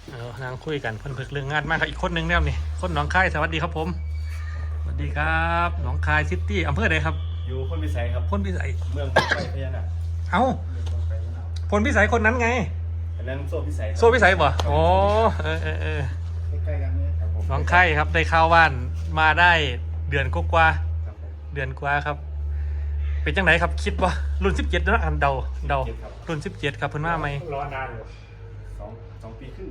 นางคุยกันเพิ่นเพิ่งเรื่องงานมากครับอีกคนนึงแล้วนี่คนหนองคายสวัสดีครับผมสวัสดีครับหนองคายซิตี้อำเภอใดครับอยู่พลพิสัยครับพลพิสัยเมืองไฟพญานาคเอ้าพลพิสัยคนนั้นไงอันนั้นโซ่พิสัยโซ่พิสัยบ่อ๋อใกล้ๆกันเนี่ยครับผมหนองคายครับได้ข้าวว่านมาได้เดือนกว่าครับผมเดือนกว่าครับเป็นจังไหนครับคิดว่ารุ่น17นะอันเดารุ่น17ครับเพิ่นมาไหมรอนานอยู่สองปีครึ่ง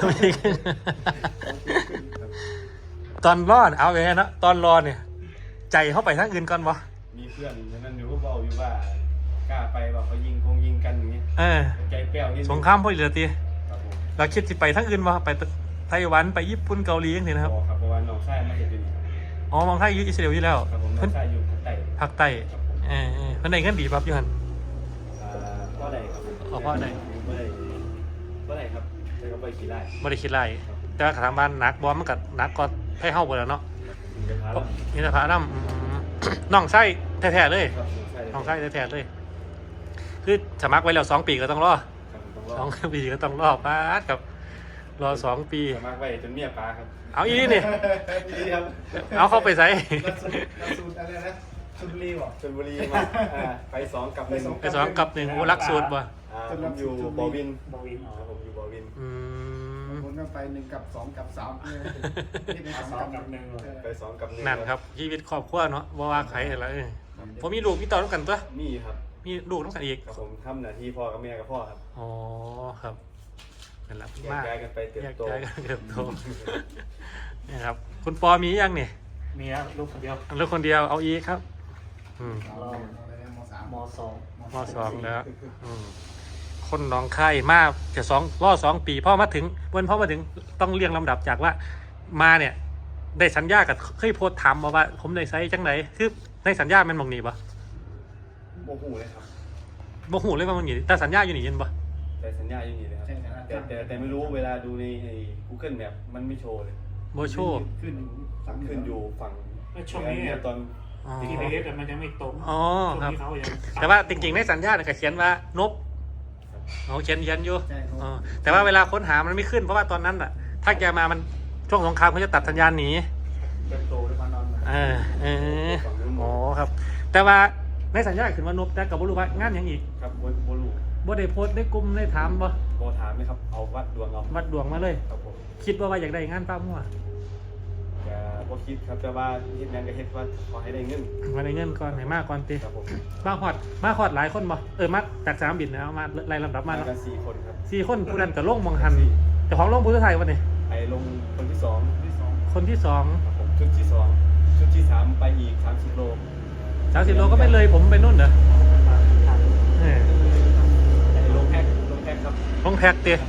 ครับตอนรอดเอาไว้นะตอนรอเนี่ยใจเข้าไปทางอื่นก่อนบ่มีเพื่อนฉะนั้นอยู่ก็บอกอยู่ว่ากล้าไปว่าเขายิงกันอย่างนี้ใจแป้วนิดนึงสงครามพ่อเหลือตีครับผมเราคิดสิไปทางอื่นบ่ไปไต้หวันไปญี่ปุ่นเกาหลีอย่างนี้นะครับครับเพราะว่าน้องชายไม่เห็นอยู่นี่อ๋อมองไทยอยู่อิสราเอลอยู่แล้วครับผมน้องชายอยู่ภาคใต้ภาคใต้เพิ่นได้เงินดีปั๊บอยู่หั่นพ่อใดครับพ่อใดครับแล้วก็ไปขี่ไร่บ่ได้คิดไรแต่ว่าทางบ้านหนักบ่มันก็หนักกว่าให้เฮาบ่แล้วเนาะนี่สภาพน้องไส้แท้ๆเลยน้องไส้แท้ๆเลยคือสมัครไว้แล้ว2 ปีก็ต้องรอ2 ปีก็ต้องรอป้าดกับรอ2 ปีสมัครไว้จนเมียปลาครับเอาอีนี่ครับเอาเข้าไปใส่สูตรอะไรนะชลบุรีบ่ชลบุรีมาไป2 กับ 1 ไป2 กับ 1โอ้รักสูตรบ่ผมอยู่บอวินผมอยู่บอวินผมก็ไป1 กับ 2 กับ 3นี่เป็น2 กับ 1 ไป2 กับ 1 นั่นครับชีวิตครอบครัวเนาะบ่ว่าใครอะไรผมมีลูกมีเต้าต้องกันตัวมีครับมีลูกต้องกันอีกผมทำหน้าที่พ่อกับแม่กับพ่อครับอ๋อครับนั่นแหละมากย้ายกันไปเติบโตนี่ครับคุณปอมียังเนี่ยมีครับลูกคนเดียวเอาอีกครับม.2แล้วคนน้องไข่มากจะ2 ปีพ่อมาถึงพ่อมาถึงต้องเรียงลำดับจากว่ามาเนี่ยได้สัญญากับเคยโพสถามมาว่าผมได้ไซส์จังไหนคือในสัญญามันมองหนีปะโมหูเลยครับโมหูเลยว่ามันหนีแต่สัญญาอยู่หนีเย็นปะแต่สัญญาอยู่หนีเลยครับแต่ไม่รู้เวลาดูใน Google Map มันไม่โชว์เลยโมโชว์ขึ้นอยู่ฝั่งช่วงนี้ตอน GPS มันยังไม่ตรงอ๋อครับแต่ว่าจริงๆในสัญญาเนี่ยเขียนว่านบเขียนอยู่แต่ว่าเวลาค้นหามันไม่ขึ้นเพราะว่าตอนนั้นอ่ะถ้าแกมามันช่วงสงครามเขาจะตัดสัญญาณหนีโตได้มานอนอ๋อครับแต่ว่าในสัญญาขึ้นว่านบแต่กับบุรุษว่างานยังอีกครับบุรุษบ่ได้โพสได้กลุ่มได้ถามบ่ถามเลยครับเอาวัดดวงมาเลยครับผมคิดว่าอยากได้งานป้ามั่วจะบ่คิดครับแต่ว่าเฮ็ดงานก็เฮ็ดว่าขอให้ได้เงินก่อนให้มากก่อนติครับผมมาฮอดหลายคนบ่มาจากสนามบินแล้วมาไล่ลำดับมาแล้ว 4 คนครับ 4 คนผู้นั้นก็ลงมองหันเจ้าของลงผู้สุดท้ายวันนี้ไอ้ลงคนที่2 คนที่2 ครับผมชุดที่2ชุดที่3ไปอีก30 โลก็ไม่เลยผมไปนู่นเหรอลงแพ็คครับลงแพ็คเตี้ย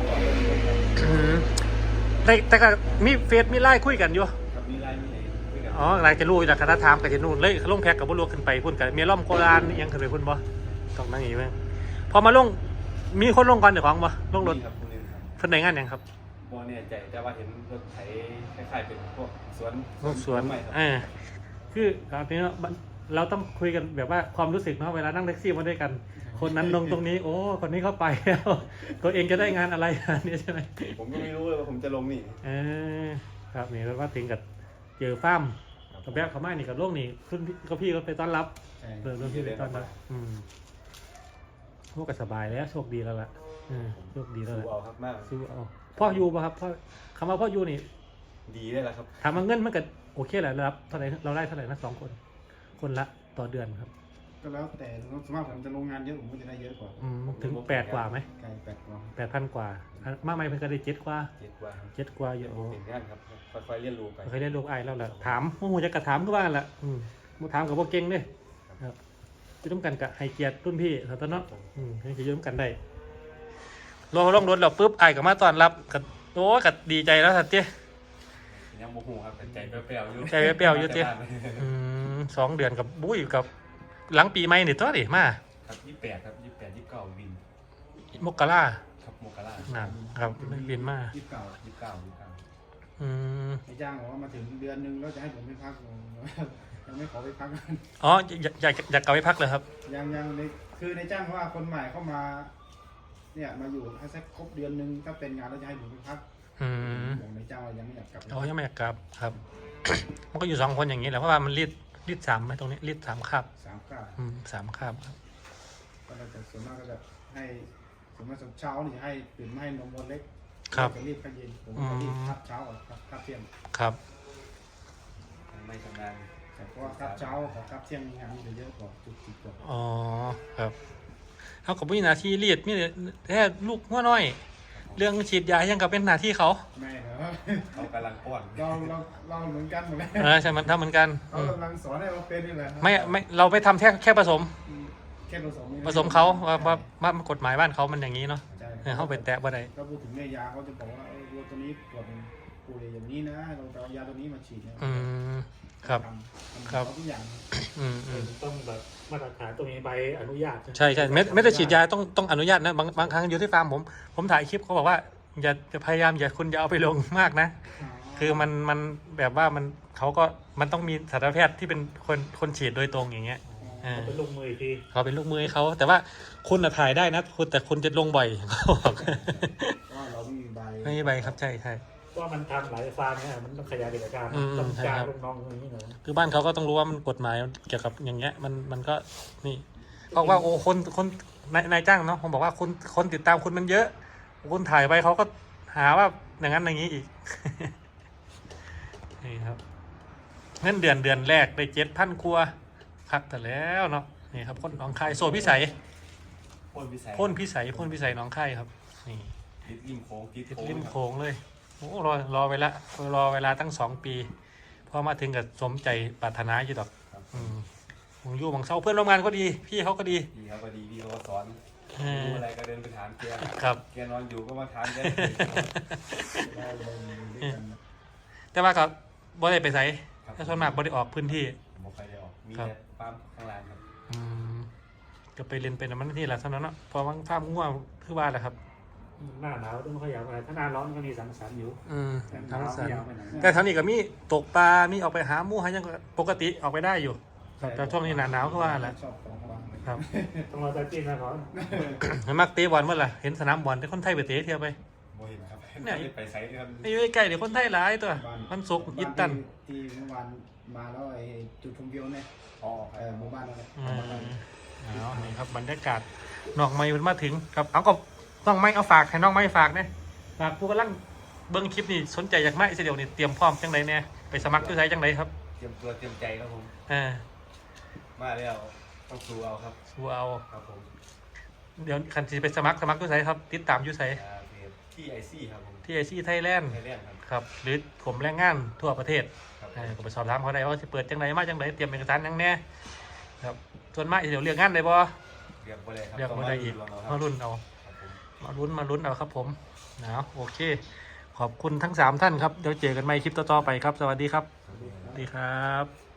แต่ก็มีเฟซมีไลน์คุยกันอยู่ครับมีไลน์มีคุยกันอ๋อไลน์จะรู้จากคณะถามกับจะนู่นเลยลงแพ็คกับบุรุษขึ้นไปพุ่นกันมีล่อมโคราณยังขึ้นไปพุ่นบ่ต้องนั่งอย่างนี้ไหมพอมาลงมีคนลงก่อนเดี๋ยวของบ่ลงรถเพิ่นได้งานยังครับบ่แน่ใจแต่ว่าเห็นรถไถคล้ายๆเป็นพวกสวนคือครับทีนี้เราต้องคุยกันแบบว่าความรู้สึกเนาะเวลานั่งแท็กซี่มาด้วยกันคนนั้นลงตรงนี้โอ้คนนี้เข้าไปแล้วตัวเองจะได้งานอะไรนี่ใช่ไหมผมก็ไม่รู้เลยว่าผมจะลงนี่ครับนี่แล้วว่าถึงกับเจอฟ้ามกับแบบเขาไม่นี่กับโลกนี่ขึ้นก็พี่ก็ไปต้อนรับพี่ไปต้อนรับพวกก็สบายแล้วโชคดีแล้วล่ะโชคดีแล้วสู้เอาครับมากสู้เอาพ่ออยู่ป่ะครับพ่อคำว่าพ่ออยู่นี่ดีได้แล้วครับถามว่าเงินมันก็โอเคแหละรับเท่าไหร่เราได้เท่าไหร่นะ2 คนละต่อเดือนครับก็แล้วแต่สมมติผมจะลงงานเยอะผมก็จะได้เยอะกว่าถึง8 กว่าไหม8,000 กว่า มากไหมเพิ่งก็ได้7 กว่าเยอะโอ้เห็นงานครับค่อยๆเรียนรู้ไปค่อยๆเรียนรู้ไอ้แล้วแหละถามโอ้โหจะกระถามก็ว่าแหละมาถามกับพวกเก่งด้วยครับจะต้องกันกับไฮเกียร์รุ่นพี่เขาตอนนั้นจะยืมกันได้ลงรถเราปุ๊บไอ้กับมาตอนรับกับโอ้กับดีใจแล้วสัตว์เจ้ยังโมโหครับใจเปรี้ยวอยู่เจ้ 2 เดือนกับบุ้ยกับหลังปีใหม่นี่ตัวดิมาครับ28ครับ28 29วินมกราครับมกราครับบินมา 29 ไอ้จ้างบอกว่ามาถึงเดือนนึงแล้วจะให้ผมไปพักยังไม่ขอไปพักอ๋ออยากกลับไปพักเลยครับยังคือในจ้างว่าคนใหม่เข้ามาเนี่ยมาอยู่ให้สักครบเดือนนึงถ้าเป็นงานแล้วจะให้ผมไปพักอืมบอกนายจ้างว่ายังไม่อยากกลับเขายังไม่อยากกลับครับ มันก็อยู่2 คนอย่างนี้แหละเพราะว่ามันรีด3ไหมตรงนี้รีด3 คาบ 3 คาบ 3 คาบครับก็จะส่วนมากก็จะให้สมมติเช้านี่ให้ตื่นมาให้นมวันเล็กครับจะรีบข้าวเย็นผมจะรีบคับเช้ากับคับเที่ยงครับไม่ชำนาญแต่เพราะว่าคับเช้ากับคับเที่ยงงานมันจะเยอะกว่าจุดจิตกว่าอ๋อครับเขากับมีหน้าที่รีดมีแค่ลูกหัวน้อย เรื่องฉีดยายังกับเป็นหน้าที่เขาแม่เหรอเขากำลังป้อนเราเหมือนกันหมดเลยใช่มันทำเหมือนกันเขากำลังสอนให้เราเป็นนี่แหละไม่เราไปทำแค่ผสมแค่ผสมนี่นะผสมเขาว่ากฎหมายบ้านเขามันอย่างนี้เนาะใช่เขาไปแตะบ่ได้ก็พูดถึงในยาเขาจะบอกว่าวัวตัวนี้ปวดป่วยอย่างนี้นะเราจะเอายาตัวนี้มาฉีดนะครับทำครับเขาทุกอย่างต้องแบบมาตรฐานตรงนี้ใบอนุญาตใช่ไม่ได้ฉีดยาต้องอนุญาตนะบางครั้งอยู่ที่ฟาร์มผมถ่ายคลิปเขาบอกว่าอย่าพยายามคุณอย่าเอาไปลงมากนะ คือมันแบบว่าเขาก็มันต้องมีสัตวแพทย์ที่เป็นคนฉีดโดยตรงอย่างเงี้ยเขาเป็นลูกมืออีกทีเขาเป็นลูกมือให้เขาแต่ว่าคุณน่ะถ่ายได้นะแต่คุณจะลงบ่อย เขาบอกว่าเราไม่มีใบไม่มีใบครับใช่ว่ามันทำหลายฟาร์มเนี่ยมันต้องขยายกิจการ ต้องใช่จ้างครับลูกน้องอย่างนี้หน่อยคือบ้านเขาก็ต้องรู้ว่ามันกฎหมายเกี่ยวกับอย่างเงี้ยมันก็นี่บอกว่าโอ้คนนายจ้างเนาะผมบอกว่าคนติดตามคุณมันเยอะคุณถ่ายไปเขาก็หาว่าอย่างนั้นอย่างนี้อีก นี่ครับเงินเดือนแรกได้7,000 ครัวคักแต่แล้วเนาะนี่ครับคนหนองคายโซนพิสัยพ่นพิสัยพ่นพิสัยหนองคายครับนี่ติดริมโค้งติดติดโค้งริมโขงเลยโอ้รอเวลาตั้ง2 ปีพอมาถึงกับสมใจปรารถนาอยู่ดอกครับผมอยู่บางเซาเพื่อนร่วมงานก็ดีพี่เขาก็ดีพี่เขาก็ดีพี่เขาก็สอนเออรู้อะไรก็เดินไปถามแกครับแกนอนอยู่ก็มาถามแกเราอยู่ด้วยกันแต่ว่าก็บ่ได้ไปไสครับถ้าส่วนมากบ่ได้ออกพื้นที่ผมบอกใครได้ออกมีครับแต่ฟาร์มข้างล่างครับอืมก็ไปเรียนเป็นอันนั้นที่แหละเท่านั้นเนาะพอว่างภาพง่วงคือว่าแหละครับหน้าหนาวต้องขยับอะไรถ้าหน้าร้อนก็มีสังสรรค์อยู่ทั้งหนาวสันยาวไปไหนแต่ทั้งนี้ก็มีตกปลามีออกไปหาหมูหายังปกติออกไปได้อยู่ครับแต่ช่วงนี้หนาหนาวคือว่าแหละชอบของวางครับต้องรอใจจีนนะก่อนเห็นมักเตะบอลเมื่อไหร่เห็นสนามบอลแต่คนไทยไปเตะเที่ยวไปโมเห็นครับเนี่ยไม่ได้ไปไซต์ครับไม่อยู่ใกล้ๆเดี๋ยวคนไทยหลายตัวมันสุกร์อิตตันที่เมื่อวานมาแล้วไอ้จุดชมวิวเนี่ยอ๋อหมู่บ้านนั่นแหละเอานี่ครับบรรยากาศน้องไม้มันมาถึงครับเอาก็น้องไม้เอาฝากให้น้องไม้ฝากเนี่ยฝากผู้กำลังเบิ้งคลิปนี่สนใจอยากมาอิสราเอลนี่เตรียมพร้อมจังไดเนี่ยไปสมัครด้วยใจจังไดครับเตรียมตัวเตรียมใจครับผม มาแล้วต้องสู้เอาครับสู้เอาครับผมเดี๋ยวคันที่ไปสมัครด้วยใจครับ ติดตามอยู่ไสเพจที่ไอซี่ครับผมที่ไอซีไทยแลนด์ไทยแลนด์ครับครับหรือผมแรงงานทั่วประเทศครับก็ไปสอบถามเขาได้ว่าจะเปิดจังไดมาจังไดเตรียมเอกสารยังแน่ครับส่วนมากเดี๋ยวเรียกงานได้บ่เรียกบ่ได้ครับเรียกบ่ได้อีกต้องมามารุ่นเอาครับผมมาลุ้นเอาครับผมนะโอเค ขอบคุณทั้ง3ท่านครับเดี๋ยวเจอกันใหม่คลิปต่อๆไปครับ สวัสดีครับครับผมสวัสดีครับ